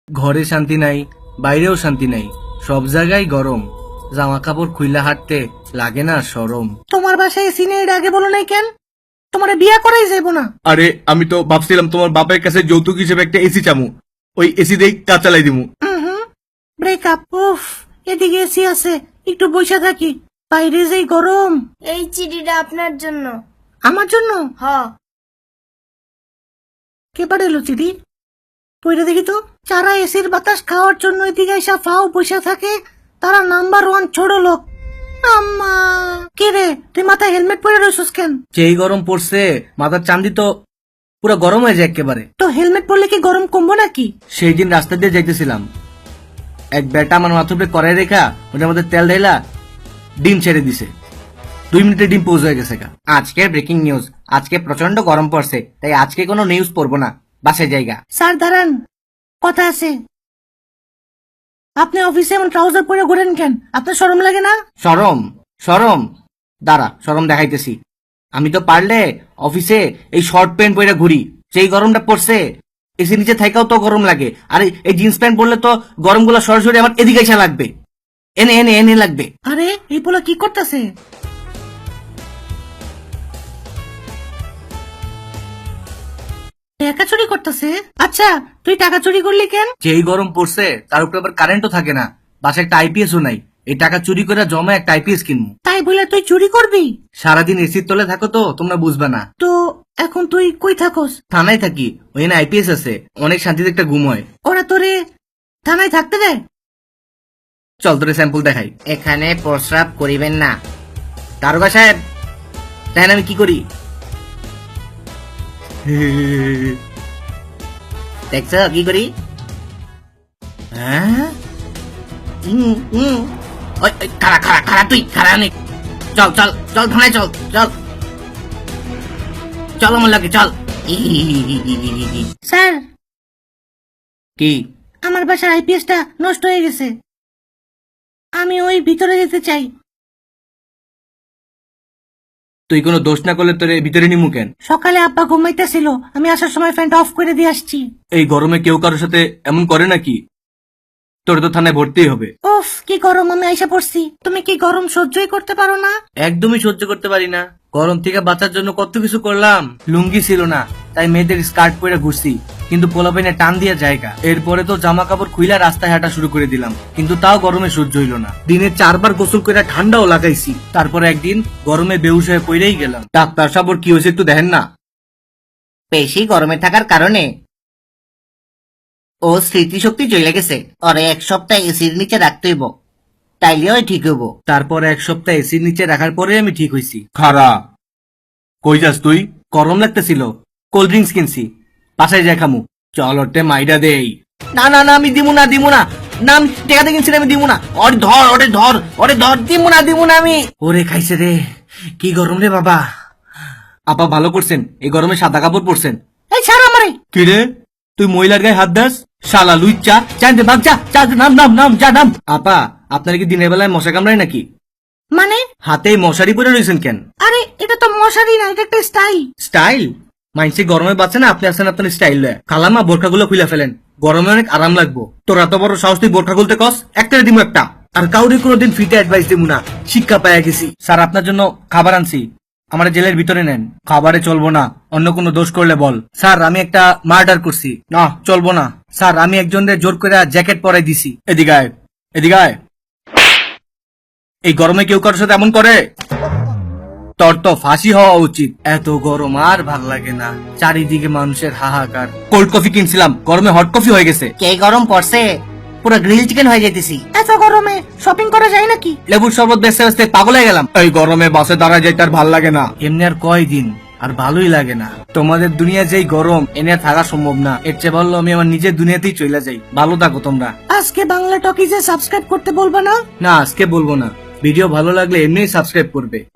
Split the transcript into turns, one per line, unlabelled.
ঘরে শান্তি নাই, বাইরেও শান্তি নাই, সব জায়গায় গরম। জামা কাপড় খুইলা হাঁটতে লাগে না শরম।
তোমার বাসায় এসি নেই, এটা আগে বলো নাই কেন? তোমার বিয়া করাই যাইব না।
আরে আমি তো ভাবছিলাম তোমার বাপের কাছে যৌতুক হিসেবে একটা এসি চামু, ওই এসি দিয়ে কাজ চালাই দিমু।
ব্রেকআপ। উফ, এদিকে এসি আছে, একটু বসে থাকি। বাইরে যেই গরম।
এই চিঠিটা আপনার জন্য।
আমার জন্য?
হ।
কে পাঠালো চিঠি? পইরা দেখি তো। যারা এসির বাতাস খাওয়ার জন্য এদিকে এসে ফাও বসে থাকে, তারা নাম্বার 1 ছোট লোক। আম্মা, কে রে তুই মাথায় হেলমেট পরে রয়েছিস কেন?
যেই গরম পড়ছে মাথার চান্দি তো পুরো গরম হয়ে যায় একেবারে।
তো হেলমেট পরলে কি গরম কমবো নাকি?
সেই দিন রাস্তা দিয়ে যাইতেছিলাম, এক বেটা আমার মাথার উপরে কড়াই রেখা ওটার মধ্যে তেল ঢেলা ডিম ছেড়ে দিছে। 2 মিনিটে ডিম পৌঁছে হয়ে গেছে। আজকে ব্রেকিং নিউজ, আজকে প্রচন্ড গরম পড়ছে, তাই আজকে কোনো নিউজ পড়বো না, বাসে জায়গা।
স্যার দাঁড়ান, কথা আছে। আপনি অফিসে এমন ট্রাউজার পরে ঘুরেন কেন? আপনার শরম লাগে না?
শরম? শরম? দাঁড়া, শরম দেখাইতেছি। আমি তো পারলে অফিসে এই শর্ট প্যান্ট পরে ঘুরি, যেই গরমটা পড়ছে এসি নিচে থাকাও তো গরম লাগে, আর এই জিন্স প্যান্ট পরলে তো গরমগুলো সরাসরি আমার এদিকে এসে লাগবে, এনে এনে এনে লাগবে।
আরে এই পোলা কি করতেছে? টাকা চুরি করতেছে? আচ্ছা, তুই টাকা চুরি করলি কেন?
যেই গরম পড়ছে তার উপরে আবার কারেন্টও থাকে না, বাসায় একটা আইপিএসও নাই। এই টাকা চুরি করে জমা একটা আইপিএস কিনবো।
তাই বলে তুই চুরি করবি?
সারাদিন এসির তলে থাকো তো তোমরা বুঝবে না।
তো এখন তুই কই থাকস?
থানায় থাকি, ওইখানে আইপিএস আছে, অনেক শান্তিতে একটা ঘুম হয়।
ওরা তোরে থানায় থাকতে দেয়?
চল তোরে স্যাম্পল দেখাই। এখানে প্রস্রাব করিবেন না। দারোগা সাহেব, তাই আমি কি করি? দেখছ কি করি? হ্যাঁ, খারা খারা খারা, তুই খারা নেই। চল চল চল থানায়, চল চল চল আমার লাগে, চল।
স্যার,
কি?
আমার বাসার আইপিএসটা নষ্ট হয়ে গেছে, আমি ওই ভিতরে যেতে চাই।
তুই কোনো দোষ না করলে তোরে ভিতরে নিমু কেন?
সকালে আব্বা ঘুমাইতেছিল, আমি আসার সময় ফ্যানটা অফ করে দিয়ে আসছি।
এই গরমে কেউ কারোর সাথে এমন করে নাকি? তোর তো থানায় ভর্তিই হবে।
উফ, কি গরম, আমি আইসা পড়ছি। তুমি কি গরম সহ্যই করতে পারো না?
একদমই সহ্য করতে পারি না। গরম থেকে বাঁচার জন্য কত কিছু করলাম, লুঙ্গি ছিল না তাই মেয়েদের স্কার্ট পরে ঘুরছি, কিন্তু পোলাপাইনে টান দিয়ে জায়গা। এরপরে তো জামা কাপড় খুইলা রাস্তায় হাঁটা শুরু করে দিলাম, কিন্তু তাও গরমে সহ্য হইল না। দিনে 4 বার গোসল করে ঠান্ডাও লাগাইছি, তারপরে একদিন গরমে বেহুশ হয়ে পড়েই গেলাম। ডাক্তার সাহেব, ওর কি হয়েছে একটু দেখেন না। বেশি গরমে থাকার কারণে ও স্মৃতিশক্তি চলে গেছে, ওরে 1 সপ্তাহ এসির নিচে রাখতে হইব, তাইলে ওই ঠিক হইব। তারপর 1 সপ্তাহ এসির নিচে রাখার পরে আমি ঠিক হইছি।
খারা, কই যাস তুই?
গরম লাগতেছিল, কোল্ড ড্রিঙ্কস কিনছি, বাসায় যাই খামু।
চল ওটে মাইডা দেই।
না না না, আমি দিমু না দিমু না, না আমি টেকাতে কিনছি, আমি দিমু না। ওরে ধর, ওরে ধর, ওরে ধর, দিমু না আমি। ওরে খাইছে রে, কি গরম রে বাবা। আপা ভালো করছেন, এই গরমে সাদা কাপড় পরছেন।
এই ছাড় আমারে।
কি রে, তুই মহিলার গায়ে হাত দাস? শালা লুইচ্চা,
জানতে বাগ, যা যা, নাম নাম নাম, যা নাম। আপা, আপনার কি দিনের বেলায় মশা কামড়ায় নাকি?
মানে?
হাতে মশারি পরে রয়েছেন কেন?
আরে এটা তো মশারি না, এটা একটা স্টাইল।
স্টাইল? মাইনসে গরমে বাঁচে না, আপনি আছেন আপনার স্টাইল লয়ে। খালামা, বোরখাগুলো খুলে ফেলেন, গরমে অনেক আরাম লাগবো। তোর এত বড় সাহস, তুই বোরখা খুলতে কস? একটা দিমু একটা, আর কাউরে কোনোদিন ফ্রিতে অ্যাডভাইস দিমু না, শিক্ষা পাইয়া গেছি। স্যার, আপনার জন্য খাবার আনছি, আমার জেলের ভিতরে নেন। খাবারে চলবো না, অন্য কোনো দোষ করলে বল। স্যার, আমি একটা মার্ডার করছি। না, চলবো না। স্যার, আমি একজনের জোর করে জ্যাকেট পরাই দিছি।
এদিকে আয়, এদিকে আয়।
এই গরমে কেউ কারোর সাথে এমন করে? তোর তো ফাঁসি হওয়া উচিত। এত গরম আর ভাল লাগে না, চারিদিকে মানুষের হাহাকার। কোল্ড কফি কিনছিলাম, গরমে হট কফি হয়ে গেছে। কে গরম পড়ছে, পুরো গ্রিল চিকেন হয়ে যাইতেছি।
এত গরমে শপিং করা যায় নাকি?
লেবুর শরবত বেচতে বেচতে পাগল হয়ে গেলাম।
এই গরমে বাসে দাঁড়ায় যাইতে আর ভাল লাগে না।
এমনি আর কয়দিন, আর ভালোই লাগে না। তোমাদের দুনিয়া যেই গরম, এনে আর থাকা সম্ভব না। এর চেয়ে ভালো আমি আমার নিজের দুনিয়াতেই চলে যাই। ভালো থাকো তোমরা।
আজকে বাংলা টকিজে সাবস্ক্রাইব করতে বলবা না?
না, আজকে বলবো না। ভিডিও ভালো লাগলে এমনিই সাবস্ক্রাইব করবে।